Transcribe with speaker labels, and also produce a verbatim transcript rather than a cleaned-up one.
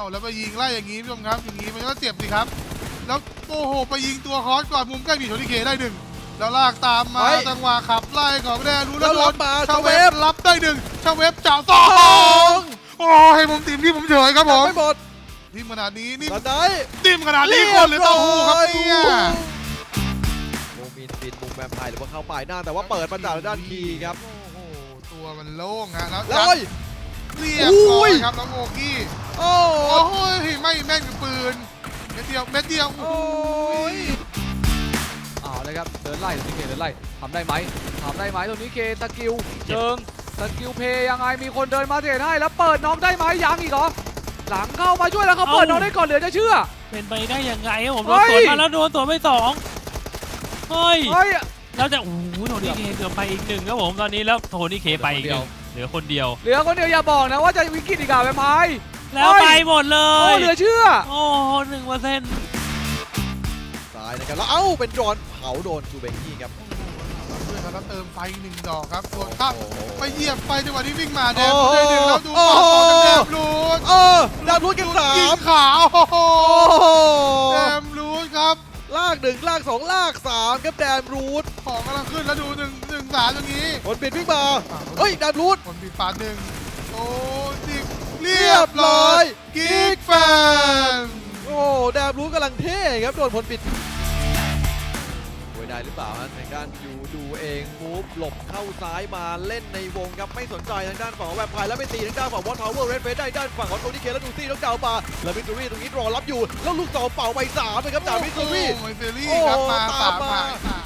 Speaker 1: แล้วไปยิงไล่อย่างนี้ผู้ชมครับอย่างนี้มันก็เจ็บสิครับแล้วโอ้โหไปยิงตัวคอสก่อนมุมใกล้บีโทนิเคได้หนึ่งแล้วลากตามมาจังหวะขับไล่ของแดนรู้แล้วโดนชาเวฟรับได้หนึ่งชาเวฟจ่าสองโอ้ให้ผมทีมที่ผมเฉยครับผม
Speaker 2: ไม่หมด
Speaker 1: ทีมขนาดนี้นี่
Speaker 2: ได้
Speaker 1: ทีมขนาดนี้คนหรือเต้าหู้ครับเนี่ย
Speaker 2: โมมินบินมุมแวมไพร์หรือว่าเข้าป่ายหน้าแต่ว่าเปิดมาจากด้านคีครับ
Speaker 1: โอ้โหตัวมันโล่งฮะแล้ว
Speaker 2: แล้ว
Speaker 1: เรียบร้อยครับน้องโอกี้
Speaker 2: โอ้
Speaker 1: โหไม่แม่นกับปืนเม็ดเดียวเม็ดเดียวโอ้ย
Speaker 3: เอาเลยครับเดินไล่ตรงนี้เคเดินไล่ทำได้ไหมทำได้ไหมตรงนี้เคสกิลเชิงสกิลเพย์ยังไงมีคนเดินมาเทรดให้แล้วเปิดน้องได้ไหมยังอีกเหรอหลังเข้ามาช่วยแล้วเขาเปิดน้องได้ก่อนเหลือจะเชื่อ
Speaker 4: เป็นไปได้ยังไงครับผมโดนสวนมาแล้วโดนสวนไปสองเฮ้ยเราจะโอ้โหโทนี่เคเกือบไปอีกหนึ่งครับผมตอนนี้แล้วโทนี่เคไปอีกหนึ่งเหลือคนเดียว
Speaker 3: เหลือคนเดียวอย่าบอกนะว่าจะวิกฤตอีกอะแวมไพร์
Speaker 4: แล้วไปหมดเลย
Speaker 3: โอ้เหลือเชื่อ
Speaker 4: โอ้หนึ่งเปอร์เซ็นต์
Speaker 2: ตายนะครับแล้วเอ้าเป็นโดนเผาโดนจูเบงกี้ครับ
Speaker 1: ด้วยครับเติมไฟหนึ่งดอกครับส่วนข้ามไปเหยียบไฟจังหวะที่วิ่งมาแดมได้หนึ่งแล้วดูต่อแดมรูด
Speaker 2: เออแดมรูดกันสาม
Speaker 1: ยิงขาวแดมรูดครับ
Speaker 2: ลากหนึ่งลากสองลากสามครับแดมรูด
Speaker 1: ของกำลังขึ้นแล้วดูหนึ่งหนึ่งสามตรงนี้
Speaker 2: คนปิดวิ่งมาเฮ้ยแดมรูด
Speaker 1: คนปิดปาดหนึ่งโอ้ดิเรียบร้อยกิ๊กแฟน
Speaker 2: โอ้แดมรูดกำลังเท่ครับโดนผลปิดได้หรือเปล่าฮะทางด้านยูดูเองมูฟหลบเข้าซ้ายมาเล่นในวงครับไม่สนใจทางด้านฝั่งแวมไพร์แล้วไปตีทางด้านฝั่งวอตทาวเวอร์เรดเฟสได้ด้านฝั่งของโทนี่เคแล้วดูซี่ต้องดาวมาแล้วมิสซูรี่ตรงนี้รอรับอยู่แล้วลูกสองเป่าไปสามเลยครับจากมิสซูรี่
Speaker 1: มิสซูรี่ครับมาสามมา